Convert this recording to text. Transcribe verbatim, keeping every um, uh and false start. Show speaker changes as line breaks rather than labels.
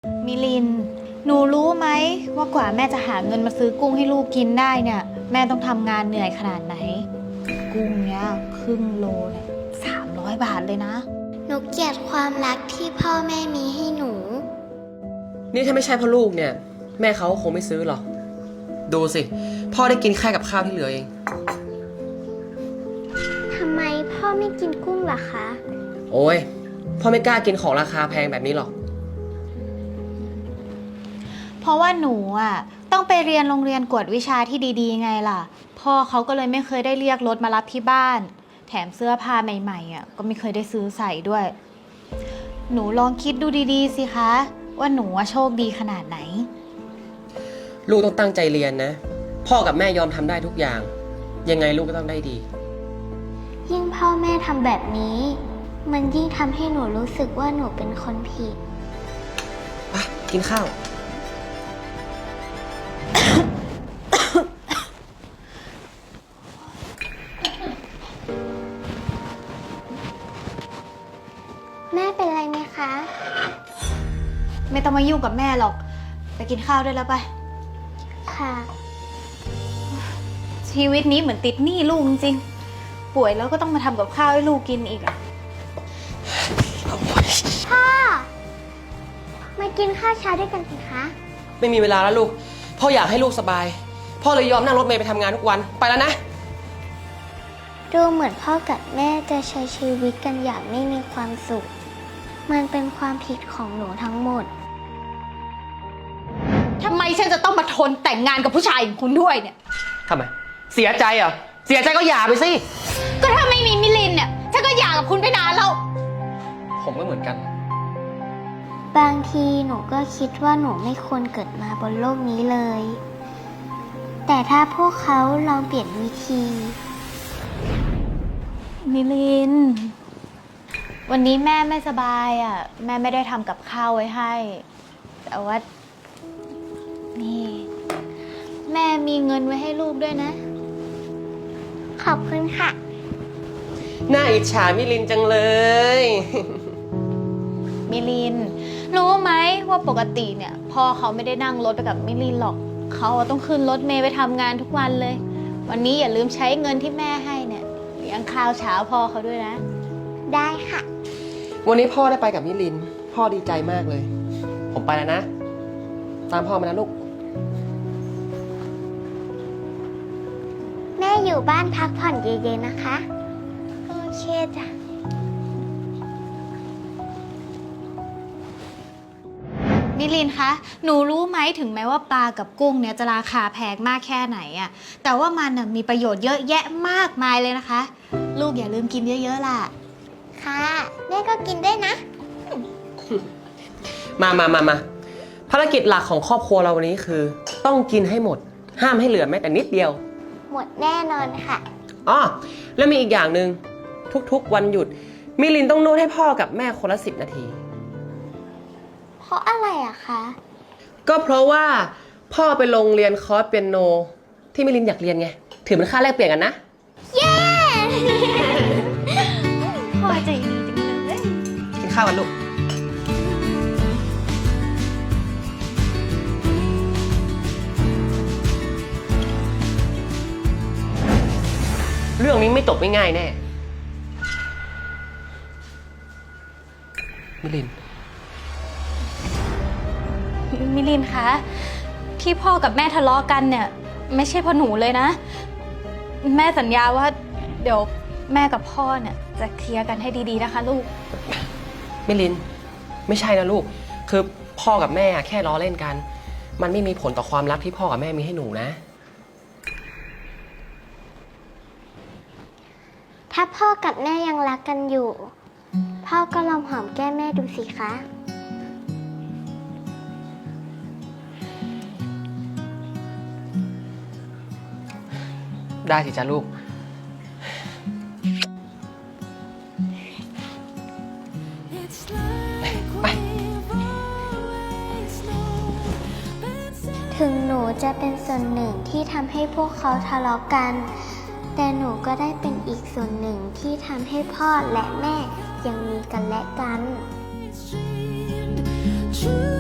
มิลินหนูรู้ไหมว่ากว่าแม่จะหาเงินมาซื้อกุ้งให้ลูกกินได้เนี่ยแม่ต้องทำงานเหนื่อยขนาดไหนกุ้งเนี้ยครึ่งโลเนี่ยสามร้อยบาทเลยนะ
หนูเกลียดความรักที่พ่อแม่มีให้หนู
นี่ถ้าไม่ใช่พ่อลูกเนี่ยแม่เขาคงไม่ซื้อหรอกดูสิพ่อได้กินแค่กับข้าวที่เหลือเอง
ทำไมพ่อไม่กินกุ้งล่ะคะ
โอ้ยพ่อไม่กล้ากินของราคาแพงแบบนี้หรอก
เพราะว่าหนูอ่ะต้องไปเรียนโรงเรียนกวดวิชาที่ดีๆไงล่ะพ่อเขาก็เลยไม่เคยได้เรียกรถมารับที่บ้านแถมเสื้อผ้าใหม่ๆอ่ะก็ไม่เคยได้ซื้อใส่ด้วย หนูลองคิดดูดีๆสิคะว่าหนูโชคดีขนาดไหน
ลูกต้องตั้งใจเรียนนะพ่อกับแม่ยอมทำได้ทุกอย่างยังไงลูกก็ต้องได้ดี
ยิ่งพ่อแม่ทำแบบนี้มันยิ่งทำให้หนูรู้สึกว่าหนูเป็นคนผิด
ไปกินข้าว
แม่เป็นไรไหมคะ
ไม่ต้องมายุ่งกับแม่หรอกไปกินข้าวได้แล้วไป
ค่ะ
ชีวิตนี้เหมือนติดหนี้ลูกจริงป่วยแล้วก็ต้องมาทำกับข้าวให้ลูกกินอีกอ่ะ
พ่อมากินข้าวเช้าด้วยกันสิคะ
ไม่มีเวลาแล้วลูกพ่ออยากให้ลูกสบายพ่อเลยยอมนั่งรถเมล์ไปทำงานทุกวันไปแล้วนะ
ดูเหมือนพ่อกับแม่จะใช้ชีวิตกันอย่างไม่มีความสุขมันเป็นความผิดของหนูทั้งหมด
ทำไมฉันจะต้องมาทนแต่งงานกับผู้ชายอย่างคุณด้วยเนี่ย
ทำไมเสียใจเหรอเสียใจก็หย่าไปสิ
ก็ถ้าไม่มีมิลินเนี่ยฉันก็หย่ากับคุณไปนานแล้ว
ผมก็เหมือนกัน
บางทีหนูก็คิดว่าหนูไม่ควรเกิดมาบนโลกนี้เลยแต่ถ้าพวกเขาลองเปลี่ยนวิธี
มิลินวันนี้แม่ไม่สบายอ่ะแม่ไม่ได้ทำกับข้าวไว้ให้แต่ว่านี่แม่มีเงินไว้ให้ลูกด้วยนะ
ขอบคุณค่ะ
น่าอิจฉามิลินจังเลย
มิลินรู้ไหมว่าปกติเนี่ยพ่อเขาไม่ได้นั่งรถไปกับมิลินหรอกเขาต้องขึ้นรถเมล์ไปทำงานทุกวันเลยวันนี้อย่าลืมใช้เงินที่แม่ให้เนี่ยเลี้ยงข้าวเช้าพ่อเขาด้วยนะ
ได้ค่ะ
วันนี้พ่อได้ไปกับมิลินพ่อดีใจมากเลยผมไปแล้วนะตามพ่อมานะลูก
แม่อยู่บ้านพักผ่อนเย็นๆนะคะโอเคจ้ะ
มิลินคะหนูรู้ไหมถึงแม้ว่าปลากับกุ้งเนี่ยจะราคาแพงมากแค่ไหนอะแต่ว่ามันมีประโยชน์เยอะแยะมากมายเลยนะคะลูกอย่าลืมกินเยอะๆล่ะ
ค่ะแม่ก็กินได้นะ
มามามามาภารกิจหลักของครอบครัวเราวันนี้คือต้องกินให้หมดห้ามให้เหลือแม้แต่นิดเดียว
หมดแน่นอนค่ะ
อ๋อแล้วมีอีกอย่างหนึ่งทุกๆวันหยุดมิลินต้องนวดให้พ่อกับแม่คนละสิบนาที
เพราะอะไรอะคะ
ก็เพราะว่าพ่อไปลงเรียนคอร์สเปียโนที่มิลินอยากเรียนไงถือเป็นค่าแลกเปลี่ยนกันนะ
เย้
พ่อใจดีจังเลย
กินข้าวกันลูกเรื่องนี้ไม่จบง่ายๆแน่มิลิน
มิลินคะที่พ่อกับแม่ทะเลาะกันเนี่ยไม่ใช่เพราะหนูเลยนะแม่สัญญาว่าเดี๋ยวแม่กับพ่อเนี่ยจะเคลียร์กันให้ดีๆนะคะลูก
มิลินไม่ใช่นะลูกคือพ่อกับแม่แค่ล้อเล่นกันมันไม่มีผลต่อความรักที่พ่อกับแม่มีให้หนูนะ
ถ้าพ่อกับแม่ยังรักกันอยู่พ่อก็ลองหอมแก้มแม่ดูสิคะ
ได้สิจ้าลูกไป
ถึงหนูจะเป็นส่วนหนึ่งที่ทำให้พวกเขาทะเลาะกันแต่หนูก็ได้เป็นอีกส่วนหนึ่งที่ทำให้พ่อและแม่ยังมีกันและกัน